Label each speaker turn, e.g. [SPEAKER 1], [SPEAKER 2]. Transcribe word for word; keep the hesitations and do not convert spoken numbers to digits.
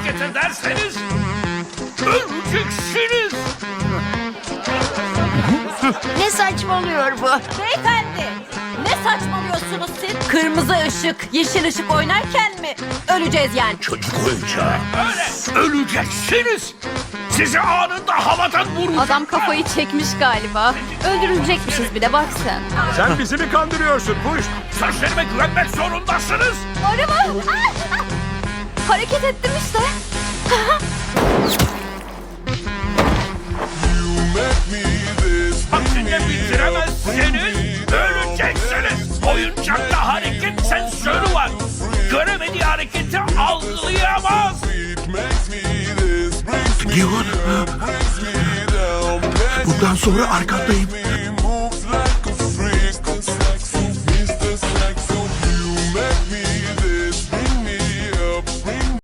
[SPEAKER 1] hareket ederseniz öleceksiniz.
[SPEAKER 2] Ne saçmalıyor bu?
[SPEAKER 3] Beyefendi, ne saçmalıyorsunuz siz? Kırmızı ışık, yeşil ışık oynarken mi öleceğiz yani?
[SPEAKER 1] Çocuk oyuncağı. Öyle öleceksiniz. Sizi anında havadan vuracaklar.
[SPEAKER 4] Adam kafayı çekmiş galiba. Öldürülecekmişiz bir de bak sen.
[SPEAKER 5] Sen bizi mi kandırıyorsun? Puş.
[SPEAKER 1] Sözlerime güvenmek zorundasınız.
[SPEAKER 4] Araba! Ah, ah! Hareket ettim işte.
[SPEAKER 1] Vaktinde bitiremezseniz öleceksiniz. Oyuncakta hareket sensörü var. Göremediği hareketi algılayamaz.
[SPEAKER 6] Gion. Bundan sonra arkandayım.